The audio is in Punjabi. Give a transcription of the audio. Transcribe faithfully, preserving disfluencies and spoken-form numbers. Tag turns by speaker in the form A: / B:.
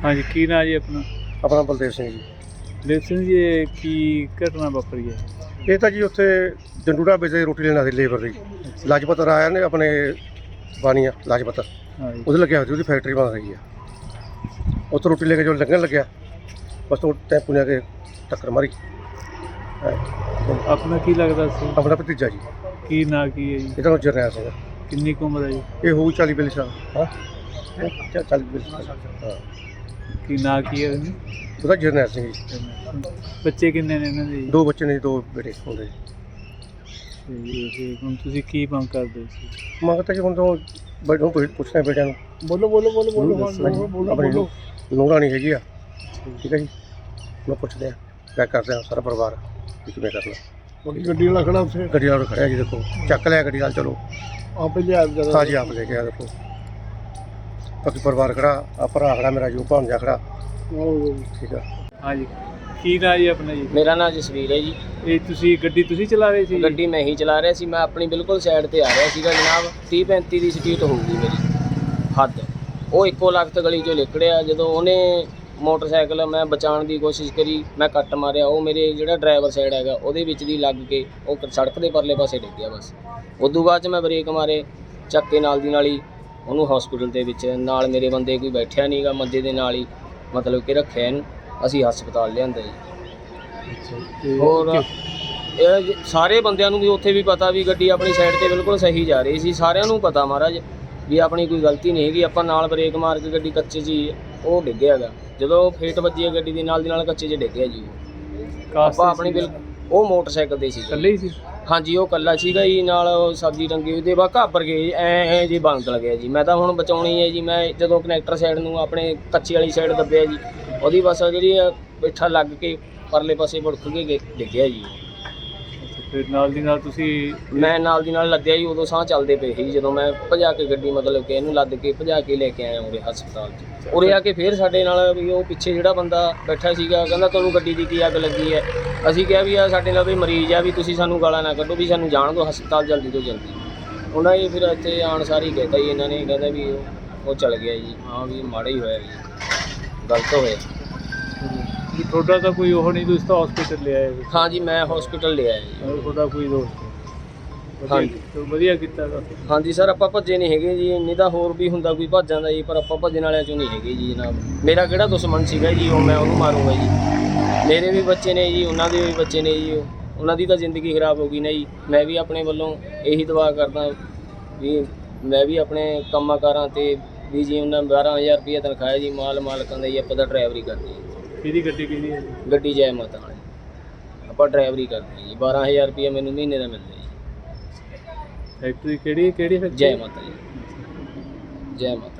A: हाँ जी, की ना जी अपना
B: ਆਪਣਾ ਬਲਦੇਵ ਸਿੰਘ ਜੀ।
A: ਬਲਦੇਵ ਸਿੰਘ ਜੀ, ਇਹ ਕੀ ਘਟਨਾ ਵਾਪਰੀ ਹੈ?
B: ਇਹ ਤਾਂ ਜੀ ਉੱਥੇ ਜੰਡੂੜਾ ਵਿੱਚ ਰੋਟੀ ਲੈਣ ਆਏ ਲੇਬਰ ਦੀ ਲਾਜਪਤ ਰਾਇਆ ਨੇ ਆਪਣੇ ਬਾਣੀਆ ਲਾਜਪਤ
A: हाँ जी,
B: ਉਹਦੇ ਲੱਗਿਆ ਹੋਇਆ ਸੀ, ਉਹਦੀ ਫੈਕਟਰੀ ਬਣ ਰਹੀ ਹੈ। ਉੱਥੇ ਰੋਟੀ ਲੈ ਕੇ ਜੋ ਲੰਘਣ ਲੱਗਿਆ ਬਸ ਉਹ ਟੈਂਪੂ ਨੇ ਆ ਕੇ ਟੱਕਰ ਮਾਰੀ।
A: अपना की लगता सी?
B: ਆਪਣਾ ਭਤੀਜਾ ਜੀ,
A: की ना की है जी?
B: ਇਹਦਾ ਨਾਮ ਜਰਨੈਲ ਸਿੰਘ।
A: किन्नी की उम्र है जी?
B: ਇਹ ਹੋਊ ਚਾਲੀ ਬਿਆਲੀ ਸਾਲ। ਹਾਂ ਚਾਲੀ ਬਿਆਲੀ ਸਾਲ। ਹਾਂ
A: की ना की है इन्हें?
B: ਉਹਦਾ ਜਰਨੈਲ ਸਿੰਘ ਜੀ।
A: ਬੱਚੇ ਕਿੰਨੇ ਨੇ ਇਹਨਾਂ ਦੇ ਜੀ?
B: ਦੋ ਬੱਚੇ ਨੇ ਜੀ, ਦੋ ਬੇਟੇ ਹੁੰਦੇ ਜੀ।
A: ਤੇ ਇਹ ਹੁਣ ਤੁਸੀਂ ਕੀ ਮੰਗ ਕਰਦੇ ਸੀ?
B: ਮੰਗ ਤਾਂ ਜੀ ਹੁਣ ਤੋਂ ਬੈਠੋ ਪੁੱਛਣਾ ਬੇਟਿਆਂ ਨੂੰ।
C: ਬੋਲੋ ਬੋਲੋ ਬੋਲੋ ਬੋਲੋ
B: ਬੋਲੋ
C: ਬੋਲੋ
B: ਆਪਣੀ
C: ਬੋਲੋ
B: ਨੂੰਹ ਰਾਣੀ ਹੈਗੀ ਆ, ਠੀਕ ਹੈ ਜੀ। ਮੈਂ ਪੁੱਛਦੇ ਆ ਕਿਆ ਕਰਦੇ ਆ ਸਾਰਾ ਪਰਿਵਾਰ ਵੀ ਕਿਵੇਂ ਕਰਨਾ।
C: ਬੜੀ ਗੱਡੀ ਵਾਲਾ ਖੜਾ ਉੱਥੇ
B: ਗੱਡੀ ਵਾਲਾ ਖੜਿਆ ਜੀ, ਦੇਖੋ ਚੱਕ ਲਿਆ ਗੱਡੀ ਨਾਲ, ਚਲੋ
C: ਆਪੇ ਲਿਆ ਜਰਾ
B: ਹਾਂ ਜੀ ਆਪ ਲੈ ਕੇ ਆ। ਦੇਖੋ ਬਾਕੀ ਪਰਿਵਾਰ ਖੜਾ, ਆ ਭਰਾ ਖੜਾ ਮੇਰਾ ਜੋ ਭਾਂਜਾ ਖੜਾ, ਠੀਕ ਆ।
A: ਹਾਂਜੀ, ਕੀ ਨਾਂ ਜੀ ਆਪਣਾ ਜੀ?
D: ਮੇਰਾ ਨਾਮ ਜਸਵੀਰ ਹੈ ਜੀ।
A: ਇਹ ਤੁਸੀਂ ਗੱਡੀ ਤੁਸੀਂ ਚਲਾ ਰਹੇ ਸੀ?
D: ਗੱਡੀ ਮੈਂ ਹੀ ਚਲਾ ਰਿਹਾ ਸੀ। ਮੈਂ ਆਪਣੀ ਬਿਲਕੁਲ ਸਾਈਡ ਤੇ ਆ ਰਿਹਾ ਸੀਗਾ ਜਨਾਬ। ਤੀਹ ਪੈਂਤੀ ਦੀ ਸਪੀਡ ਹੋਊਗੀ ਮੇਰੀ ਹੱਦ। ਉਹ ਇੱਕੋ ਲਖਤ ਗਲੀ 'ਚੋਂ ਨਿਕਲਿਆ। ਜਦੋਂ ਉਹਨੇ ਮੋਟਰਸਾਈਕਲ ਮੈਂ ਬਚਾਉਣ ਦੀ ਕੋਸ਼ਿਸ਼ ਕਰੀ, ਮੈਂ ਕੱਟ ਮਾਰਿਆ। ਉਹ ਮੇਰੇ ਜਿਹੜਾ ਡਰਾਈਵਰ ਸਾਈਡ ਹੈਗਾ ਉਹਦੇ ਵਿੱਚ ਦੀ ਲੱਗ ਕੇ ਉਹ ਸੜਕ ਦੇ ਪਰਲੇ ਪਾਸੇ ਡਿੱਗ ਗਿਆ ਬਸ। ਉਦੋਂ ਬਾਅਦ 'ਚ ਮੈਂ ਬ੍ਰੇਕ ਮਾਰੇ, ਚੱਕ ਕੇ ਨਾਲ ਦੀ ਨਾਲ ਹੀ ਉਹਨੂੰ ਹਸਪੀਟਲ ਦੇ ਵਿੱਚ, ਨਾਲ ਮੇਰੇ ਬੰਦੇ ਕੋਈ ਬੈਠਿਆ ਨਹੀਂ ਗਾ, ਮੰਜੇ ਦੇ ਨਾਲ ਹੀ ਮਤਲਬ ਕਿ ਰੱਖਿਆ ਇਹਨੂੰ। ਅਸੀਂ ਹਸਪਤਾਲ ਲਿਆਂਦਾ ਜੀ। ਹੋਰ ਇਹ ਜ- ਸਾਰੇ ਬੰਦਿਆਂ ਨੂੰ ਵੀ ਉੱਥੇ ਵੀ ਪਤਾ ਵੀ ਗੱਡੀ ਆਪਣੀ ਸਾਈਡ ਤੇ ਬਿਲਕੁਲ ਸਹੀ ਜਾ ਰਹੀ ਸੀ। ਸਾਰਿਆਂ ਨੂੰ ਪਤਾ ਮਹਾਰਾਜ ਵੀ ਆਪਣੀ ਕੋਈ ਗਲਤੀ ਨਹੀਂ ਹੈਗੀ। ਆਪਾਂ ਨਾਲ ਬ੍ਰੇਕ ਮਾਰ ਕੇ ਗੱਡੀ ਕੱਚੇ 'ਚ ਹੀ ਉਹ ਡਿੱਗਿਆ ਹੈਗਾ। ਜਦੋਂ ਫੇਟ ਵੱਜੀ ਹੈ ਗੱਡੀ ਦੀ, ਨਾਲ ਦੀ ਨਾਲ ਕੱਚੇ 'ਚ ਡਿੱਗਿਆ ਜੀ। ਆਪਾਂ ਆਪਣੀ ਬਿਲਕੁਲ ਉਹ ਮੋਟਰਸਾਈਕਲ ਤੇ ਸੀ।
A: ਇਕੱਲੇ ਹੀ ਸੀ?
D: ਹਾਂਜੀ, ਉਹ ਕੱਲਾ ਸੀਗਾ ਜੀ। ਨਾਲ ਉਹ ਸਬਜ਼ੀ ਟੰਗੀ ਉਹਦੇ ਬਾਅਦ ਘਾਬਰ ਗਏ ਐ ਐ ਜੀ, ਬੰਦ ਲੱਗਿਆ ਜੀ। ਮੈਂ ਤਾਂ ਹੁਣ ਬਚਾਉਣੀ ਹੈ ਜੀ। ਮੈਂ ਜਦੋਂ ਕਨੈਕਟਰ ਸਾਈਡ ਨੂੰ ਆਪਣੇ ਕੱਚੇ ਵਾਲੀ ਸਾਈਡ ਦੱਬਿਆ ਜੀ, ਉਹਦੀ ਬਸ ਜਿਹੜੀ ਪਿੱਠਾ ਲੱਗ ਕੇ ਪਰਲੇ ਪਾਸੇ ਭੁੜਕ ਕੇ ਗੇ- ਡਿੱਗਿਆ ਜੀ।
A: ਫਿਰ ਨਾਲ ਦੀ ਨਾਲ ਤੁਸੀਂ
D: ਮੈਂ ਨਾਲ ਦੀ ਨਾਲ ਲੱਦਿਆ ਜੀ। ਉਦੋਂ ਸਾਹ ਚੱਲਦੇ ਪਏ ਸੀ ਜਦੋਂ ਮੈਂ ਭਜਾ ਕੇ ਗੱਡੀ ਮਤਲਬ ਕਿ ਇਹਨੂੰ ਲੱਦ ਕੇ ਭਜਾ ਕੇ ਲੈ ਕੇ ਆਇਆ ਉਰੇ ਹਸਪਤਾਲ 'ਚ। ਉਰੇ ਆ ਕੇ ਫਿਰ ਸਾਡੇ ਨਾਲ ਵੀ ਉਹ ਪਿੱਛੇ ਜਿਹੜਾ ਬੰਦਾ ਬੈਠਾ ਸੀਗਾ ਕਹਿੰਦਾ ਤੁਹਾਨੂੰ ਗੱਡੀ ਦੀ ਕੀ ਅੱਗ ਲੱਗੀ ਹੈ। ਅਸੀਂ ਕਿਹਾ ਵੀ ਆ ਸਾਡੇ ਨਾਲ ਵੀ ਮਰੀਜ਼ ਆ, ਵੀ ਤੁਸੀਂ ਸਾਨੂੰ ਗਾਲਾਂ ਨਾ ਕੱਢੋ, ਵੀ ਸਾਨੂੰ ਜਾਣ ਦਿਓ ਹਸਪਤਾਲ ਜਲਦੀ ਤੋਂ ਜਲਦੀ। ਉਹਨਾਂ ਨੇ ਫਿਰ ਇੱਥੇ ਆਉਣ ਸਾਰੀ ਕਹਿਤਾ ਜੀ ਇਹਨਾਂ ਨੇ, ਕਹਿੰਦਾ ਵੀ ਉਹ ਉਹ ਚਲ ਗਿਆ ਜੀ। ਹਾਂ ਵੀ ਮਾੜਾ ਹੀ ਹੋਇਆ ਜੀ, ਗਲਤ ਹੋਇਆ।
A: ਵੀ ਤੁਹਾਡਾ ਤਾਂ ਕੋਈ ਉਹ ਨਹੀਂ, ਤੁਸੀਂ ਤਾਂ ਹਸਪੀਟਲ ਲੈ ਆਏ?
D: ਹਾਂ ਜੀ, ਮੈਂ ਹਸਪੀਟਲ ਲਿਆ ਜੀ।
A: ਹੋਰ ਤੁਹਾਡਾ ਕੋਈ ਦੋਸਤ?
D: ਹਾਂਜੀ।
A: ਚਲੋ ਵਧੀਆ ਕੀਤਾ ਤਾਂ।
D: ਹਾਂਜੀ ਸਰ, ਆਪਾਂ ਭੱਜੇ ਨਹੀਂ ਹੈਗੇ ਜੀ। ਨਹੀਂ ਤਾਂ ਹੋਰ ਵੀ ਹੁੰਦਾ ਕੋਈ ਭੱਜ ਜਾਂਦਾ ਜੀ, ਪਰ ਆਪਾਂ ਭੱਜਣ ਵਾਲਿਆਂ ਚੋਂ ਨਹੀਂ ਹੈਗੇ ਜੀ ਜਨਾਬ। ਮੇਰਾ ਕਿਹੜਾ ਦੁਸ਼ਮਣ ਸੀਗਾ ਜੀ ਉਹ ਮੈਂ ਉਹਨੂੰ ਮਾਰੂੰਗਾ ਜੀ। ਮੇਰੇ ਵੀ ਬੱਚੇ ਨੇ ਜੀ, ਉਹਨਾਂ ਦੇ ਵੀ ਬੱਚੇ ਨੇ ਜੀ। ਉਹ ਉਹਨਾਂ ਦੀ ਤਾਂ ਜ਼ਿੰਦਗੀ ਖਰਾਬ ਹੋ ਗਈ ਨਾ ਜੀ। ਮੈਂ ਵੀ ਆਪਣੇ ਵੱਲੋਂ ਇਹੀ ਦੁਆ ਕਰਦਾ ਵੀ ਮੈਂ ਵੀ ਆਪਣੇ ਕੰਮਾਂ ਕਾਰਾਂ 'ਤੇ ਵੀ ਜੀ ਉਹਨਾਂ ਬਾਰ੍ਹਾਂ ਹਜ਼ਾਰ ਰੁਪਈਆ ਤਨਖਾਹ ਜੀ ਮਾਲ ਮਾਲਕਾਂ ਦਾ ਜੀ। ਆਪਾਂ ਤਾਂ ਡਰਾਈਵਰੀ ਕਰਦੇ ਜੀ।
A: ਕਿਹਦੀ ਗੱਡੀ ਕਿਹਦੀ ਹੈ?
D: ਗੱਡੀ ਜੈ ਮਾਤਾ ਵਾਲੀ ਆਪਾਂ ਡਰਾਈਵਰੀ ਕਰਦੇ ਜੀ। ਬਾਰ੍ਹਾਂ ਹਜ਼ਾਰ ਰੁਪਈਆ ਮੈਨੂੰ ਮਹੀਨੇ ਦਾ ਮਿਲਦਾ ਜੀ।
A: ਫੈਕਟਰੀ ਕਿਹੜੀ ਕਿਹੜੀ ਫੈਕਟਰੀ?
D: ਜੈ ਮਾਤਾ ਜੀ, ਜੈ ਮਾਤਾ।